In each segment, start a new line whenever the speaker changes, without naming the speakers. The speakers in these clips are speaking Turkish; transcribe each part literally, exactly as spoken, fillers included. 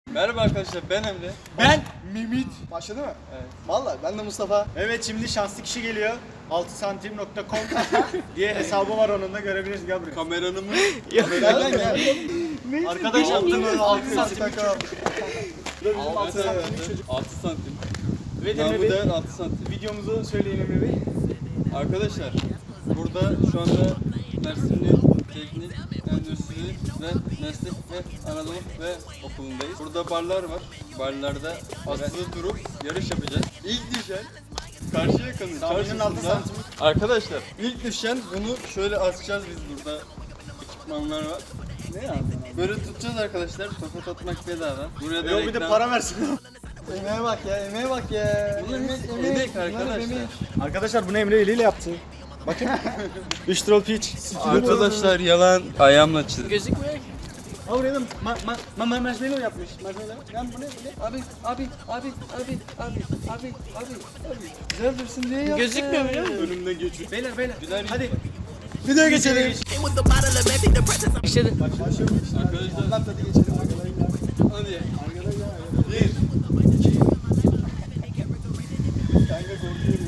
Merhaba arkadaşlar, ben Emre.
Ben Mimit.
Başladı mı?
Evet.
Vallahi ben de Mustafa.
Evet, şimdi şanslı kişi geliyor. altı santim nokta com diye hesabı var, onun da görebiliriz. Gel buraya.
Kameranı mı?
Gel lan gel.
Arkadaş yaptığımız altı santim.
altı santim. altı santim.
Evet
Namı
Emre Bey,
değer altı santim.
videomuzu söyleyin Emre Bey.
Arkadaşlar, burada şu anda Mersinli Teknik, Endüstri ve Meslek ve Anadolu ve Okulu'ndayız. Burada barlar var. Barlarda asılı durup yarış yapacağız. İlk düşen Karşıyaka'nın
Tahminin altı
çarşısında.
santim.
Arkadaşlar, ilk düşen bunu şöyle asacağız biz burada. Ekipmanlar var.
Ne yazdın?
Böyle tutacağız arkadaşlar. Tokat atmak bedava. Buraya da
Yok, bir de
reklam-
para versin.
Emeğe bak ya, emeğe bak ya.
Bunlar
Emek,
hepsi
emek.
emek
Bunlar
arkadaşlar.
emek.
Arkadaşlar bunu Emre eliyle yaptı. Bakın. üç troll pitch.
Arkadaşlar yalan ayağımla çizdim.
Gözükmüyor ki. Ha buraya da ma ma ma ma marshmallow yapmış. Marshmallow. Lan bu ne bu ne?
Abi, abi, abi, abi, abi, abi, abi, abi. Güzel dursun diye yaptı.
Gözükmüyor biliyor musun?
Önümden geçiyor.
Beyler beyler.
Güzel.
Hadi.
Videoya geçelim.
İşte
Arkadaşlar
Lan hadi geçelim.
hadi.
Bir. Kanka korkuyorum.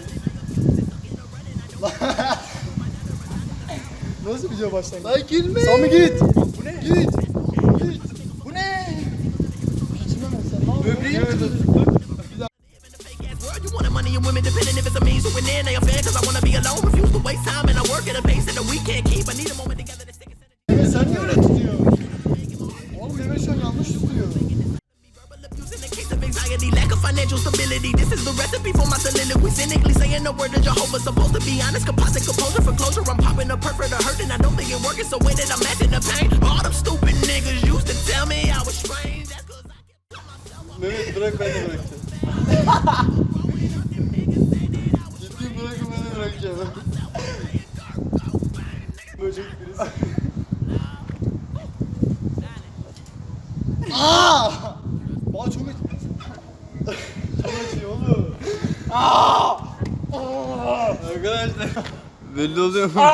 Nasıl video başlangıç? Lan gülme. Sami git. Bu ne? Git. Git. Bu ne? Kaçma ben sen. Ne yapıyorsun?
Böbreğim kırıldı.
You wanted money and women depending if it's a means to an end. They are fair cause I wanna be alone. Refuse to waste time and I work at a pace that we can't keep. I need a moment together to stick it.
Mehmet sen niye öyle tutuyorsun? Oğlum Mehmet şu an yanlış tutuyor.
Verbal abuse in the case of anxiety, lack of financial stability. This is the recipe for my soliloquy. Cynically saying the word of Jehovah. Supposed to be honest, composite composure for closure. I'm popping a perk for the hurt and I don't think it working. So when did I matching the pain? All them stupid niggas used to tell me I was strange. That's cause I
Mehmet bırak ben de bırakacağım. Ciddi bırakın ben de bırakacağım.
Böcek birisi. Aaa! Bana çok acı. Çok acıyor oğlum.
Arkadaşlar belli oluyor mu?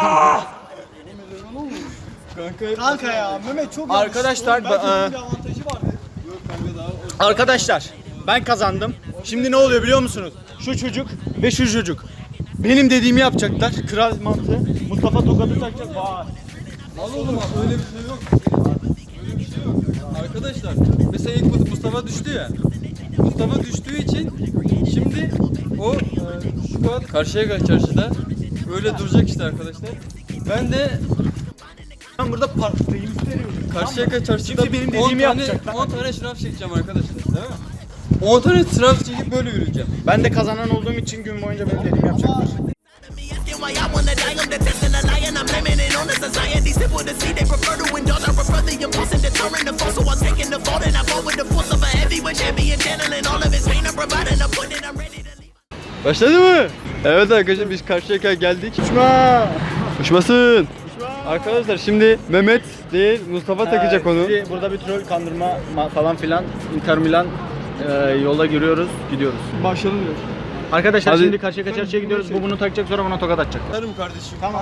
Kanka
Kanka ya Mehmet çok
Arkadaşlar,
yanlış. Oğlum,
ba-
belki bir avantajı vardı.
Yok kanka daha o
Arkadaşlar, ben kazandım. Şimdi ne oluyor biliyor musunuz? Şu çocuk ve şu çocuk benim dediğimi yapacaklar. Kral mantığı. Mustafa tokadı takacak. Vay.
Al oğlum öyle bir şey yok. Öyle bir şey yok. Arkadaşlar mesela ilk Mustafa düştü ya. Mustafa düştüğü için şimdi o e, şu kadar Karşıyaka çarşıda öyle duracak işte arkadaşlar. Ben de
Ben burada parktayım.
Karşıyaka çarşıda
Şimdi benim
on
dediğimi
tane,
yapacaklar.
on tane şınav çekeceğim arkadaşlar, değil mi? on tane şınav çekip böyle yürüyeceğim.
Ben de kazanan olduğum için gün boyunca benim dediğimi yapacaklar.
me asking why I wanna die. I'm detesting the lie and I'm blaming it on the society. Simple to see, they prefer to indulge. I prefer the impulse and deterrent the force. So I'm taking the fault and I go with the force of a heavyweight champion, channeling all of his pain and providing a point and I'm ready to leave.
Başladı mı? Evet arkadaşlar biz Karşıyaka'ya geldik.
Uçma!
Uçmasın. Arkadaşlar şimdi Mehmet değil Mustafa takacak onu.
Bizi burada bir troll kandırma ma- falan filan. Inter Milan e, yola giriyoruz, gidiyoruz.
Başlayalım diyor.
Arkadaşlar
Hadi.
şimdi Karşıyaka çarşıya gidiyoruz. Bu bunu takacak, sonra buna tokat atacak.
Tanrım kardeşim.
Tamam.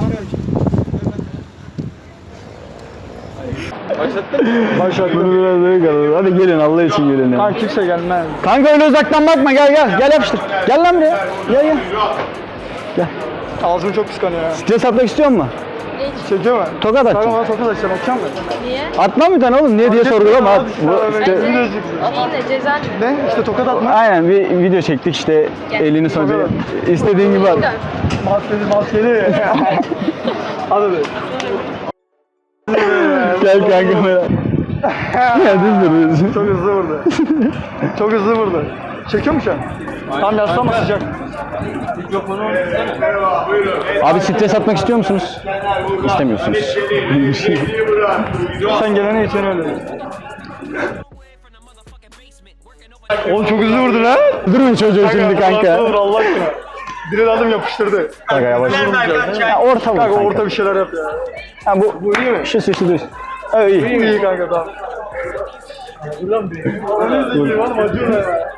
Bunu biraz böyle kalır. Hadi gelin Allah için gelin ya.
Kanka kimse gelmez.
Kanka öyle uzaktan bakma gel gel. Gel yapıştır. Gel lan buraya. Gel gel.
Ağzım çok kıskanıyor ya.
Stres atmak istiyor musun?
Çekiyor mu?
Tokat
Kanka
atacağım.
bana tokat atacağım, atacağım mı?
Niye?
Atma bir tane oğlum. Niye diye sorgulama at. Bu işte,
Şeyin de cezan
Ne? İşte tokat atma.
aynen bir video çektik işte elini sonucu. İstediğin gibi at.
Maskeli maskeli. Hadi be.
Gel kanka böyle. Ya düz dur düz.
Çok hızlı vurdu. Çok hızlı vurdu. Çekiyor mu şu an? Tam yaslama, sıcak.
Abi stres atmak istiyor musunuz? İstemiyorsunuz.
Sen gelene için öyle. Oğlum çok hızlı vurdu lan.
Durun çocuğu şimdi
Vur
kanka.
Allah aşkına. Direkt aldım yapıştırdı.
Kanka yavaş. Ya orta vur
Kanka
kanka.
orta bir şeyler yap ya.
Ha, bu,
Bu iyi mi?
şu şu şu düz. Evet iyi.
İyi, iyi kanka tamam. Ulan be. Onu izleyeyim oğlum, acıyor ya.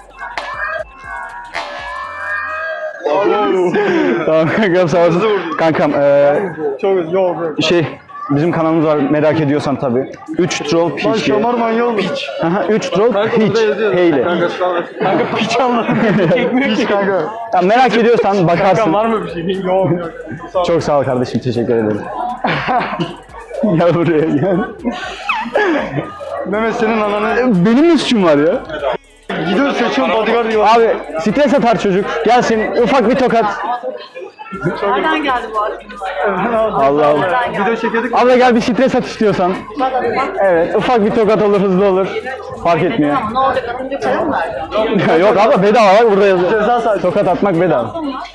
Tamam kankam sağ olasın. Kankam eee
Çok hızlı. Yok yok.
şey Bizim kanalımız var merak ediyorsan tabii. üç troll
Lan
piç.
şamar manyağı piç.
üç troll piç. Heyle.
Kanka piç anladım.
Piç kanka.
Ya merak ediyorsan bakarsın.
Var mı bir şey? Yok yok.
Çok sağ ol kardeşim, teşekkür ederim. Gel buraya gel.
Mehmet senin ananı.
Benim ne suçum var ya?
Gidiyor seçiyorum bodyguard diyor.
Abi stres atar çocuk. Gelsin ufak bir tokat.
Nereden geldi bu aklına?
Allah Allah.
Video çekiyorduk.
Abla gel bir stres at istiyorsan. Evet ufak bir tokat olur, hızlı olur. Fark etmiyor.
Tamam, ne olacak? Atınca para mı verdin?
Yok abla bedava, bak burada yazıyor. Tokat atmak bedava.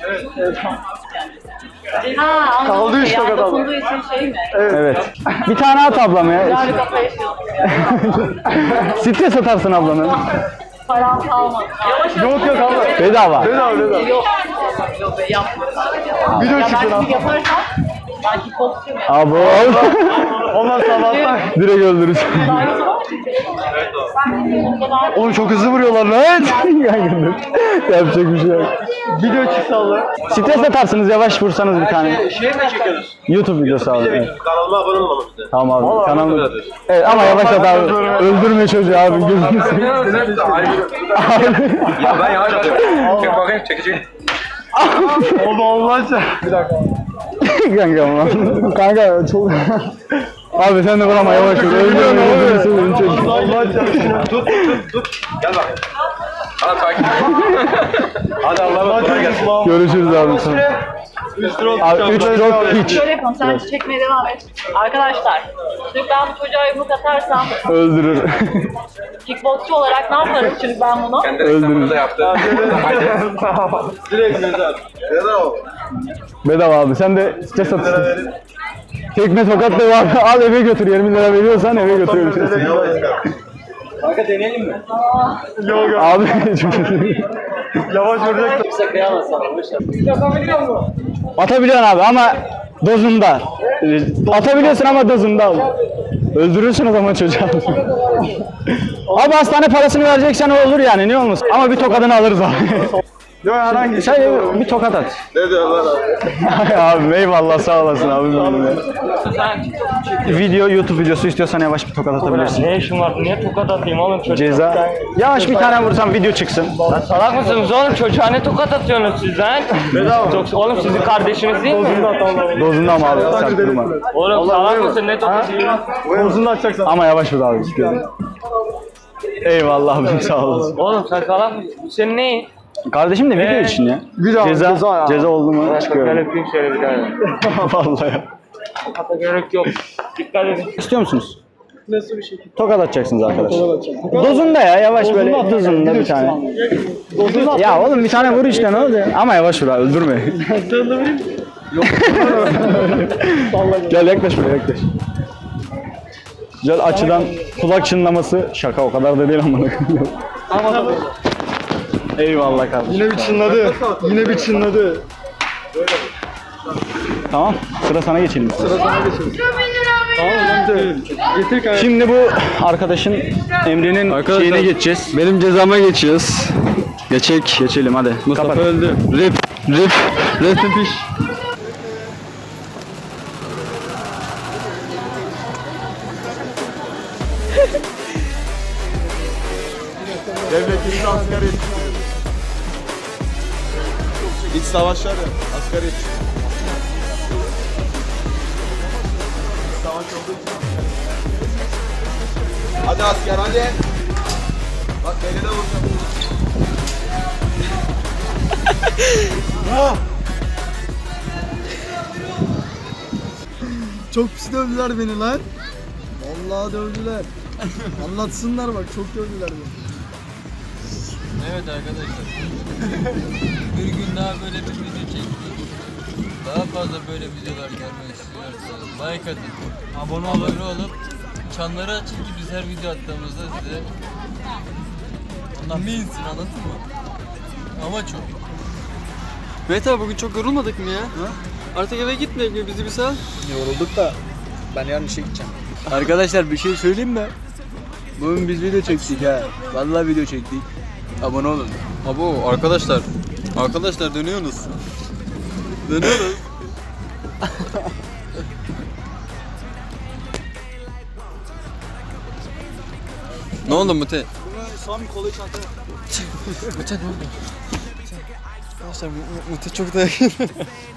Ha, anladım.
Kaldı üç
Yani
tokat abla.
dokunduğu için şey mi?
Evet. Bir tane at ablam ya.
Yani kafa yaşıyorsun ya.
Stres atarsın ablanın.
Param kalmadı.
Yok yok abla.
Bedava.
Bedava bedava.
Yok. Yok be yapma.
Video
Ya
çıksın
ben
abi.
bir yaparsam ben kickboxçuyum ya.
Abo.
Onlar sabahtan.
Direkt öldürürüz.
Oğlum çok hızlı vuruyorlar lan.
Kanka dur. Yapacak bir şey yok.
Video çıksa Allah.
Stres atarsınız, yavaş vursanız bir tane.
Şey mi çekiyoruz?
YouTube videosu abi. Evet.
Kanalıma abone olmamı istedim.
Tamam abi. Kanalım. Evet ama yavaş at abi. Öldürme çocuğu abi. Gözünü seveyim.
Ya ben yavaş atıyorum. Çek bakayım çekeceğim.
Oldu olmazsa. Bir dakika.
Kanka ama. Kanka çok... Abi sen de vurama, yavaş ol. Öldürme gözünü seveyim çocuğu.
Olmazsa.
Tut tut tut. Gel bak. Hadi takip. Hadi Allah'a kolay gelsin.
Görüşürüz abi sonra. Abi üç drop hiç.
Şöyle yapalım, sen çekmeye devam et. Arkadaşlar, şimdi ben bu çocuğa yumruk atarsam
Öldürür.
kickboxçu olarak ne yaparım şimdi ben bunu?
Kendi reklamını da yaptı.
Direkt mezar.
Bedava abi. Sen de stres atırsın. Tekme tokat da var. Al eve götür. yirmi lira veriyorsan eve götürüyorum.
Kanka deneyelim mi?
Yok yok.
Abi
Yavaş vuracak.
atabiliyorsun abi ama dozunda. Atabiliyorsun ama dozunda abi. Öldürürsün o zaman çocuğu. Abi hastane parasını vereceksen o olur yani, ne olmasın. Ama bir tokadını alırız abi.
Yok herhangi bir şey.
Sen bir tokat at.
Ne diyor lan abi?
Abi eyvallah, sağ olasın abi. Video, YouTube videosu istiyorsan yavaş bir tokat atabilirsin.
Ne işin var? Niye tokat atayım oğlum çocuğa?
Ceza. Yavaş bir tane vursam video çıksın.
Lan salak mısınız oğlum? Çocuğa ne tokat atıyorsunuz siz lan? Çok, oğlum sizin kardeşiniz değil mi?
Dozunda ama abi, sert durma.
Oğlum salak mısın? Ne tokat atıyorsun?
Bozunu açacaksan.
Ama yavaş vur abi. Eyvallah abi, sağ olasın.
Oğlum sen salak mısın? Bu senin neyin?
Kardeşim de video
Ee,
için ya.
Video
Ceza,
ceza ya.
ceza oldu mu
Gel
çıkıyorum.
öpeyim şöyle bir tane.
Vallahi ya.
Tokata gerek yok. Dikkat edin.
İstiyor musunuz?
Nasıl bir şey?
Tokat atacaksınız arkadaşlar. Dozunda ya, yavaş böyle dozunda bir tane. Ya oğlum bir tane vur işte, ne oldu ya? Ama yavaş vur abi, öldürme. Gel yaklaş buraya, yaklaş. Güzel açıdan kulak çınlaması, şaka o kadar da değil ama. Eyvallah kardeşim.
Yine bir çınladı. Yine bir çınladı.
Tamam, sıra sana geçelim.
Sıra sana geçelim. Tamam lan getir kanka.
Şimdi bu arkadaşın Emre'nin şeyine geçeceğiz.
Benim cezama geçiyoruz. Geçek.
Geçelim hadi.
Mustafa
Kapat.
öldü. Rip. Rip. Rest in peace.
Devletimiz asgari. İç savaşları asgari. Savaş olduğu için. Hadi asker hadi. Bak beni de vuracağım. Çok pis dövdüler beni lan. Vallahi dövdüler. Anlatsınlar bak, çok dövdüler beni.
Evet arkadaşlar. Bir gün daha böyle bir video çektik. Daha fazla böyle videolar görmek istiyorsanız like atın. Abone abone olup çanları açın ki biz her video attığımızda size ondan binsin, anladın mı? Amaç o. Mehmet abi bugün çok yorulmadık mı ya? Artık eve gitmeyek mi? Bizi bir sal.
Yorulduk da ben yarın işe gideceğim.
Arkadaşlar bir şey söyleyeyim mi? Bugün biz video çektik ha. Vallahi video çektik. Abone olun. Abo arkadaşlar. Arkadaşlar dönüyorsunuz. Dönüyoruz. oldu Mute?
Sami kolayı çantaya.
Mute ne oldu? Arkadaşlar Mute çok da